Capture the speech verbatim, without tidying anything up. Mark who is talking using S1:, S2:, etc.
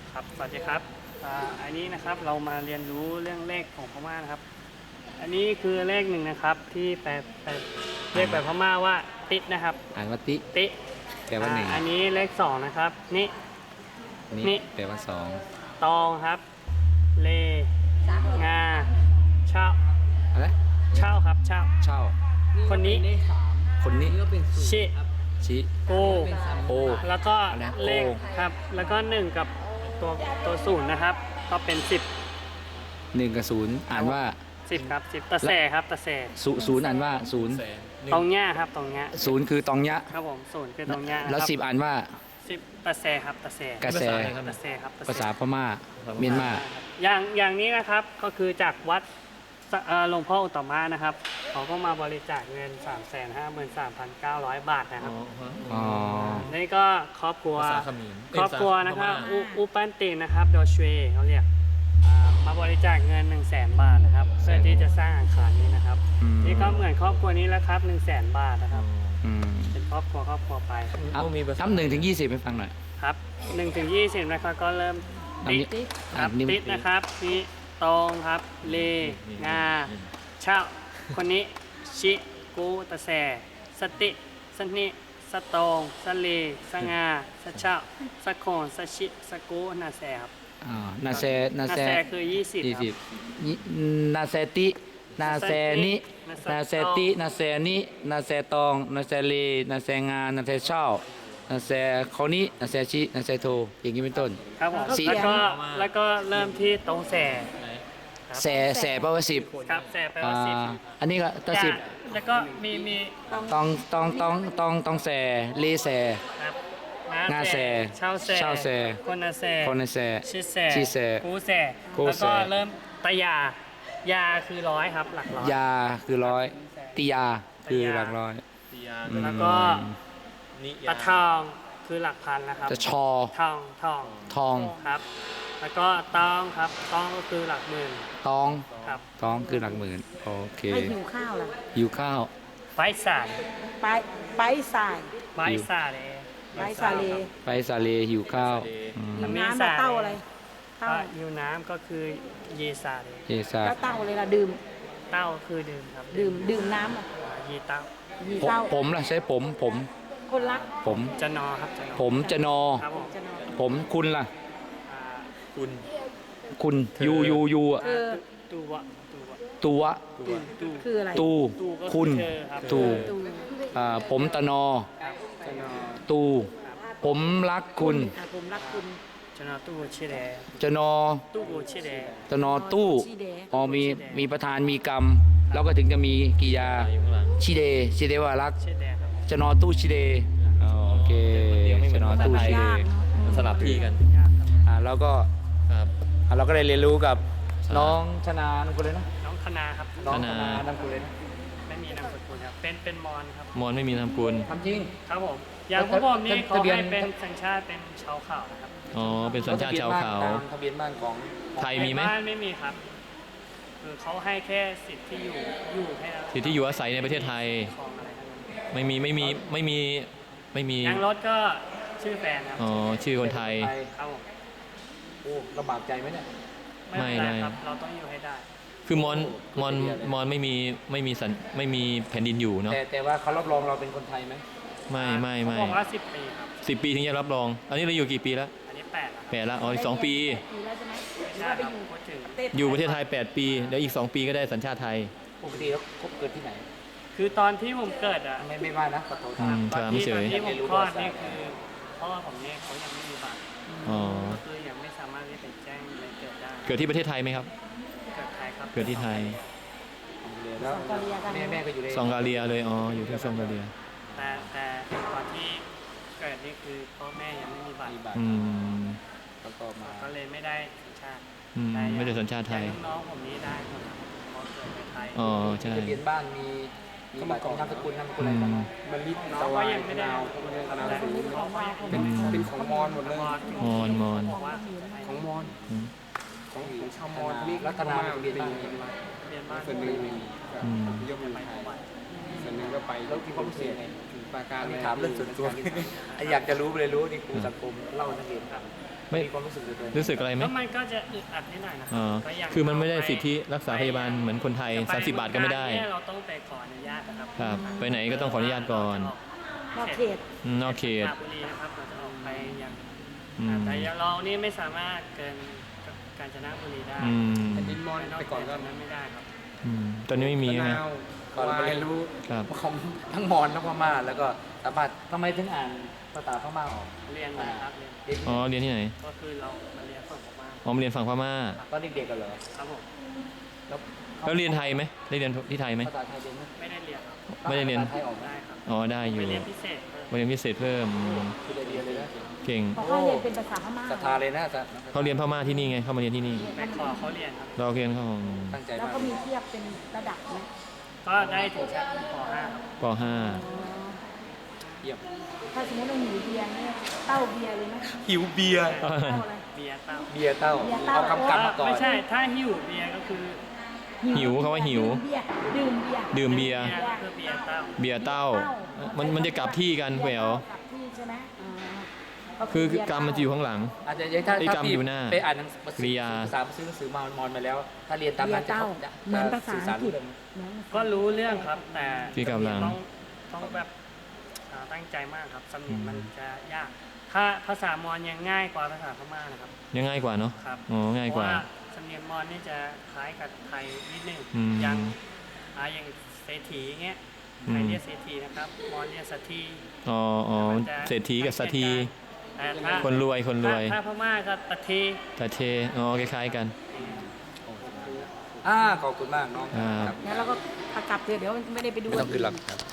S1: ครับสวัสดีครับอ่าอันนี้นะครับเรามาเรียนรู้เรื่องเลขของพม่านะครับ อันนี้คือเลขหนึ่งนะครับที่แปลแปลเรียกแบบพม่าว่าติดนะครับ
S2: อ่านว่าติ
S1: ติ
S2: แปลว่าหนึ่ง
S1: อ่าอันนี้เลขสองนะครับนี่ นี่
S2: นี่แปลว่าสอง
S1: ตองครับ เล งาเช่า
S2: อะไร
S1: เช่าครับเช่า
S2: เช่า
S1: คนนี้
S2: คนนี้
S1: ชิ
S2: ชิ
S1: โก
S2: โอ
S1: แล้วก็
S2: อะไรนะ
S1: เลข
S2: โก
S1: ครับ แล้วก็หนึ่งกับตัวตัวศูนย์นะครับ ก็เป็นสิบ
S2: หนึ่งกับศูนย์อ่านว่า
S1: สิบครับสิบตะแสครับตะแส
S2: ศูศูนย์อ่านว่าศูนย์
S1: ตรงเนี้ยครับตรงเนี้ย
S2: ศูนย์คือตองยะ
S1: ครับผมศูนย์คือตรงเนี้ยนะ
S2: แล้ว
S1: ครับ
S2: สิบอ่านว่า
S1: สิบตะแสครับตะแส
S2: กระแส
S1: ตะแสครับตะแส
S2: ภาษาพม่าเมียนมา
S1: อย่างอย่างนี้นะครับก็คือจากวัดสเอ่อหลวงพ่ออุตตมะนะครับเขาก็มาบริจาคเงิน สามแสนห้าหมื่นสามพันเก้าร้อย บาทนะครับ
S2: อ๋อ
S1: นี่ก็ครอบครัว
S3: ภาษาเขมร
S1: ครอบครัวนะครับ
S3: เอ้
S1: อุ
S3: ยภาษาพม่า
S1: อุปันตินนะครับโดชเวเขาเรียกอ่ามาบริจาคเงิน หนึ่งแสน บาทนะครับเพื่อที่จะสร้างอาคารนี้นะครับ
S2: อืม
S1: นี่ก็เหมือนครอบครัวนี้แล้วครับ หนึ่งแสน บาทนะครับ
S2: อืม
S1: เป็นครอบครัวครอบครัวไป
S2: เอา
S3: มีภาษา
S2: นับหนึ่งถึงยี่สิบให้ฟังหน่อย
S1: ครับหนึ่งถึงยี่สิบนะครับก็เริ่ม
S2: อัน
S1: ติ
S2: นี้
S1: ดค
S2: อั
S1: รับ
S2: นนี้
S1: ติดนะครับนี่ตองครับ เล งา เช่า คนนี้ ชิ กูตะแส สติ สนิ สตอง สเล สงา สเช่า สะโคนสชิ สกูนาแสครับ
S2: อ่านาแซนา
S1: นา
S2: แซ
S1: แสคือยี่สิบ
S2: ยี่
S1: ครั
S2: สิ
S1: บบ
S2: ยี่นาแซตินาแซนินาแซตินาแซนินาแซตองนาแซเลนาแซงานาแซเช่านาแซเขานี้นาแซชินาแซโทอย่างนี้เป็นต้น
S1: ครับผม
S2: สี่
S1: แล้วก็แล้วก็เริ่มที่ตรงแสครับ
S2: แสแสแปลว่าสิบ
S1: ครับแสแปล
S2: อ่า
S1: ว่าสิบ
S2: อันนี้ก็ตัวสิบ
S1: แล้วก็มีมี
S2: ตองตองตองตองตองแสเลแส
S1: ครับ
S2: งาแส
S1: เช่าแส
S2: เช่าแส
S1: คนนาแส
S2: คนในแส
S1: ชิแส
S2: ชิแส
S1: กูแส
S2: กู
S1: แล้ว
S2: แส
S1: ก็เริ่มตะยา ยาคือร้อยครับ หลักร้อย
S2: ยาคือร้อยติยาคือหลักร้อย
S3: ติยา
S2: อืม
S1: แล้วก็
S3: นิ
S1: ตะ
S3: ยา
S1: ทองคือหลักพันนะครับ
S2: จะชอ
S1: ทองทอง
S2: ทอง
S1: ครับ แล้วก็ตองครับตองก็คือหลักหมื่น
S2: ตอง
S1: ครับ
S2: ตองคือหลักหมื่นโอเค
S4: ไม่หิวข้าวล่ะ
S2: หิวข้าว
S1: ไฟสาย
S4: ไปไปสาย
S1: ไฟสาเลย
S4: ไปสาเล
S2: ไปสาเลหิวข้าวอืม
S4: หิวน้ำมาเต้าอะไรเต้า
S1: ก็ยูน้ำก็คือเยซาเลย
S2: เยซา
S4: แล้วเต้าอะไรล่ะดื่ม
S1: เต้าคือดื่มครับ
S4: ดื่มดื่มน้ำอ่ะ
S1: ยีเต้า
S4: ยี
S2: ผม
S4: เต้า
S2: ผมล่ะใช้ผมผม
S4: คนรัก
S2: ผม
S1: จะนอครับจะนอ
S2: ผมจะนอ
S1: ครับผม
S4: จะนอน
S2: ผมคุณล่ะ
S1: อ่า
S3: คุณ
S2: คุณยูยูยูอะ
S4: เออ
S1: ตูวะตูวะ
S2: ตัว
S3: ตัว
S1: ตู
S4: คืออะไร
S2: ตู
S1: ตูก็
S2: คุณ
S1: เธอครับ
S2: ตู
S4: ตู
S2: อ่าผมตะนอ
S1: ครับจะนอ
S2: ตู ผมรักคุณ
S4: อ่ะผมรักคุณ
S1: จะนอตู้ชิเด
S2: จะนอ
S1: ตู้ชิเด
S2: ตะนอตู้
S4: ชีแดง
S2: อ๋อมีมีประธานมีกรรม แล้วก็ถึงจะมีกิยา
S3: อยู่ข้างหลัง
S2: ชิเดชิเดว่ารัก
S1: ชิเดครับ
S2: จะนอตู้ชิเดอ๋อโอเคจะนอตู้ชิเด
S3: มันสลับที่กัน
S2: อ่าแล้วก็
S3: ครับ
S2: อ่าเราก็ได้เรียนรู้กับน้องชนานามกุลเลยนะ
S1: น้องคณาครับ
S2: น้อง
S3: ช
S2: ช
S3: นา
S2: นานามกุลเลยนะ
S1: ไม่มีนามสกุลครับเป็นเป็นมอนครับ
S3: มอนไม่มีนามสกุล
S2: ทำจริง
S1: ครับผมอย่างพวกผมนี่เขา
S2: ทะเบียน
S1: ให้เป็นสัญชาติเป็นชาวเขานะครับ
S3: อ๋อ เป็นสัญชาติชาวเขา
S2: ทะเบียนบ้านของ
S3: ไทยมีไหม
S1: ในบ้านไม่มีครับคือเขาให้แค่สิทธิ์ที่อยู่อยู่แค่
S3: สิทธิที่อยู่อาศัยในประเทศไทย
S1: ของอะไรทั้งนั้น
S3: ไม่มีไม่มีไม่มีไม่มี
S1: ยางรถก็ชื่อแฟนครับ
S3: อ๋อ ชื่อคนไทย
S1: ครับผม
S2: โอ้ลำบากใจไหมเนี่ย
S1: ไม่เป็นไร
S3: ไม่
S1: ครับเราต้องอยู่ให้ได้
S3: คือมอนมอนมอนไม่มีไม่มีสัญไม่มีแผ่นดินอยู่เนาะ
S2: แต่แต่ว่าเขารับรองเราเป็นคนไทยไหม
S3: ไม่ไม่ไม่
S1: เขาบอกว่าสิบปีครับ
S3: สิบปีถึงจะรับรอง อันนี้เราอยู่กี่ปีแล้ว
S1: อันนี้แปดแล้วครับ
S3: แปดแล้วอ๋ออีกสองปี
S4: อยู่แล้วใช่ไหมหรือ
S1: ใช่
S4: ว่า
S1: ค
S4: ไป
S1: รับ
S4: อยู่
S1: พูดถึง
S4: ประเทศ
S3: อยู่ประเทศไทยแปดปีแล้วอีกสองปีก็ได้สัญชาติไทย
S2: ปกติแล้วคบเกิดที่ไหน
S1: คือตอนที่ผมเกิดอ่ะ
S2: ไม่ไม่ว่านะขอโทษ
S3: อืม
S1: ตอน
S3: ถาม
S1: ที่
S3: เฉ
S1: ตอน
S3: ย
S1: ที่ผมคลอดนี่คือพ่อผมเนี่ยเขายังไม่มีบัตร
S3: อ๋อ
S1: ก็คือยังไม่สามารถที่จะแจ้งเลยเกิดได้
S3: เกิดที่ประเทศไทยไหมครับ
S1: เกิดไทยครับ
S3: เกิดที่ไทย
S2: แล้วแม่แม่ก็อยู่ใน
S3: ซองกาเลียเลย อ๋อ อยู่ที่ซองกาเลีย
S1: แต่แต่ตอนที่เกิดนี่คือพ่อแม่ยังไม่มีบัตร
S2: มีบัตร
S3: อืม
S2: แล้วก็มา
S1: ก็เลยไม่ได้สัญชาติ
S3: อืมไม่ได้สัญชาติไทย
S1: แต่น้องๆผมนี้ได้หมดครับเพราะเกิดในไทย
S3: อ๋อ ใช่
S2: ทะเบียนบ้านมีมีบัตรของนามสกุลนามสกุลอะไรบ้าง
S5: มะลิ
S1: น้อง
S5: ตะ
S1: ก็
S5: วาย
S1: ยังไม่ได้
S5: นาว
S1: ทำ
S5: นาว
S1: แต่
S5: สูง
S1: เขาก็ยัง
S5: เป็นเป็นของมอญหมดเลย
S3: มอนมอน
S1: บอกว่า
S5: ของมอญ
S3: อืม
S5: ของของชาวมอญนี่
S2: รัตนาทะเบียน
S5: เป็น
S2: บ้านมีไหม
S1: เรียนบ้าน
S5: ส่วนหนึ่งมี
S3: อืม
S5: ยกมือ
S1: ไป
S5: ไท
S1: ทุ
S5: ย
S1: กวัน
S5: ส่วนหนึ่งก็ไป
S2: แล้วมีความรู้สึกยังไง
S5: ถึงปราการ
S2: ถามเรื่องส่วนตัวอยากจะรู้เลยรู้นี่ครูสังคมเล่านักเรียนครับ
S3: ไม่
S2: มีความรู้สึกตัวเอง
S3: รู้สึกอะไรไหม
S1: ก็มันก็จะอึดอัดนิดหน่อยนะค
S3: อ๋
S1: รั
S3: อ
S1: ก็ย่าง
S3: คือมันไม่ได้
S1: เรป
S3: สิทธิรักษาพยาบาลเหมือนคนไทย
S1: จะป
S3: สามสิบบาทก็ไม่ได้
S1: เนี่ยเราต้องไปขออนุญาตนะครับ
S3: ครับไปไหนก็ต้องขออนุญาตก่อน
S4: นอกเขต
S3: อืมนอกเขต
S1: สระบุรีนะครับเราจะออกไปอย่าง
S3: อืม
S1: แต่เรานี่ไม่สามารถเกินกาญจนบุรีได้
S3: อืม
S5: แผ่นดินมอญ
S1: นอก
S5: ไปก่อนก็
S1: เขตนั้นไม่ได้ครับ
S3: อืมตอนนี้ไม่มี
S5: มะ
S3: ใช่ไหม
S5: นาว
S2: ก่อนเรา
S5: วา
S2: ไป
S5: ย
S2: เรียนรู้
S3: ครับ
S2: ของทั้งมอญทั้งพม่าแล้วก็สามารถทำไมถึงอ่านภาษาพม่าออก
S1: เรียนนะครับเรียน
S2: เด็ก
S3: อ๋อเรียนที่ไหน
S1: ก็คือเรามาเรียนฝั่งผมมา
S3: อ๋อมาเรียนฝั่งพม่า
S2: ตอนเด็กๆกันเหรอ
S1: ครับผม
S2: แล้ว
S3: แล้วเรียนไทยไหมได้เรียนที่ไทยไหม
S2: ภาษาไทยเรียนไหม
S1: ไม่ได้เรียนครับ
S3: ไม่ได้เรียน
S2: ภาษาไทยออกไหม
S1: ได้ครับ
S3: อ๋อได้อยู่
S1: ไปเรียนพิเศษเพิ่ม
S3: มาเรียนพิเศษเพิ่มอืม
S2: คือได้เรียนเลยนะ
S3: เก่ง
S4: เพราะเขาเรียนเป็นภาษาพม่า
S2: ศรัทธาเลยนะอาจารย์
S3: เขาเรียนพม่าที่นี่ไงเข้ามาเรียนที่นี่
S1: ไปขอเขาเรียนครับ
S3: เราเรียนเขา
S2: ตั้งใจ
S4: แล้ว
S2: มาก
S4: ก็มีเทียบเป็นระดับไหม
S1: ก็ได้ถึงชั้นป .ห้า ครับ
S3: ปห้า
S2: เยี่ยม
S4: ถ้าสมมติเราหิวเบียร์เนี่ยเต้าเบียร์เลยไหม
S2: หิวเบียร์
S4: เต้าอะไร
S1: เบียร์เต้า
S2: เบียร์เต้า
S4: เบียร์เต้า
S2: เอากำกับมาก่อน
S1: ไม่ใช่ถ้าหิวเบียร์ก็คือ
S3: หิวเขาว่าหิว
S4: ดื่มเบียร์ดื่มเบียร์
S3: ดื่มเบียร์
S1: เบียร์ก็คือเบียร์เต้า
S3: เบียร์เต้า มันมันจะกลับที่กันแหวว
S4: กลับที่ใช่ไหมอ๋อ
S3: คือกรรมมันจะอยู่ข้างหลัง
S2: อาจจะยังถ้า
S3: ไอ้
S2: ถ้าก
S3: รรม
S2: พี่
S3: อยู่หน้า
S2: ไปอ่านหนังสือก
S3: ริยา
S2: ภาษาซื้อหนังสือมามอนมาแล้ว ถ้าเรียนตาม
S4: เบีย
S2: นั้น
S4: ร์
S2: จะ
S4: เต้า
S2: จะ
S4: เหมือนภาษา
S2: สื่อ
S4: อั
S2: สารง
S4: กฤษ
S2: เรื่อง
S4: เหมือน
S1: ก็รู้เรื่องครับ แต่
S3: ที่กำลัง
S1: ต้องต้องแบบอ่าตั้งใจมากครับสำเนียงมันจะยาก ถ้าภาษามอญยังง่ายกว่าภาษาพม่านะครับ
S3: ยังง่ายกว่าเนาะ
S1: ครับ
S3: อ๋อง่ายกว่า
S1: เพระสำเนียงมอญนี่จะคล้ายกับไทยนิดนึง
S3: อืม
S1: อย่างอ่าอย่างเศรษฐีเงี้ย
S3: อืม
S1: ไทยเรียกเศรษฐีนะครับมอญเรียกสัตที
S3: อ๋ออ๋อ
S1: มันจะ
S3: เศรษฐีกับสัตที
S1: แต่ถ้า
S3: คนรวยคนรวย
S1: ถ้าถ้าพม่าก็ตะเท
S3: แต่เทอ๋อคล้ายๆกัน
S2: อ่าขอบคุณมากน้อง
S3: ครับ
S2: ครับ
S4: แล้วเราก็กลับเถอะเดี๋ยวไม่ได้ไปดู
S2: ไม่ต้องขึ้นหรอกครับ